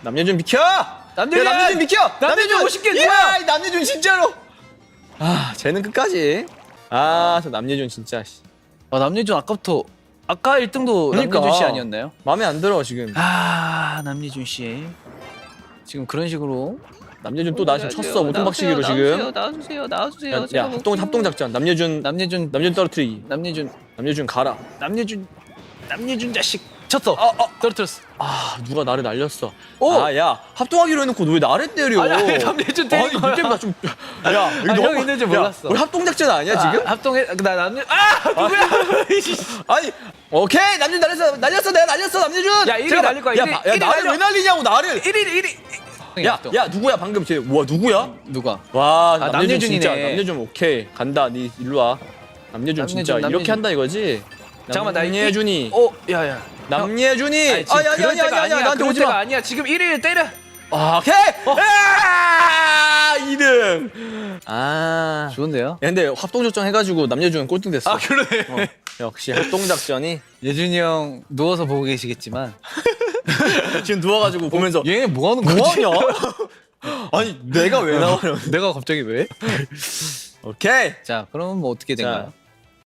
남예준 비켜! 남예준! 야, 남예준 비켜! 남예준 50개 누구야? 야, 이 남예준 진짜로! 아, 쟤는 끝까지. 아, 저 남예준 진짜. 남예준 아까부터 아까 1등도 그러니까. 남예준 씨 아니었나요? 마음에 안 들어 지금. 남예준 씨 지금 그런 식으로 남예준 또 나 지금 쳤어. 모퉁박치기로 지금. 나와주세요. 야, 합동 작전. 남예준 떨어뜨리기. 남예준 가라. 남예준 자식 쳤어. 떨어뜨렸어. 아, 누가 나를 날렸어. 오! 아, 야, 합동하기로 해놓고 너 왜 나를 때려? 아니, 남예준 때린 거야. 이때보다 좀. 야, 형 있는 줄 몰랐어. 우리 합동 작전 아니야 지금? 합동해 나 남예준 누구야? 아니, 오케이, 남예준 날렸어, 내가 날렸어, 남예준. 야, 1위 제가 날릴 거야, 야, 1위. 야, 1위 나를 날려. 왜 날리냐고 나를. 1위. 야, 누구야 방금 쟤? 와, 누구야? 누가? 와, 남예준 남예준이네. 진짜. 남예준 오케이 간다. 니 일로 와. 남예준 진짜 남예준. 이렇게 한다 이거지? 잠깐만, 나 남예준이. 야야. 남예준이. 아니, 지금 그럴 때가 아니야. 나한테 그럴 오지 때가 마. 아니야. 지금 1위를 때려. 아, 오케이. 2등. 아. 좋은데요? 야, 근데 합동작전 해가지고 남예준 꼴등 됐어. 그러네. 역시 합동작전이. 예준이 형 누워서 보고 계시겠지만 지금 누워가지고 보면서 얘 뭐 하는 거지? 뭐하냐? 아니 내가 왜 나와요? 내가 갑자기 왜? 오케이. 자, 그럼 뭐 어떻게 자, 된가요?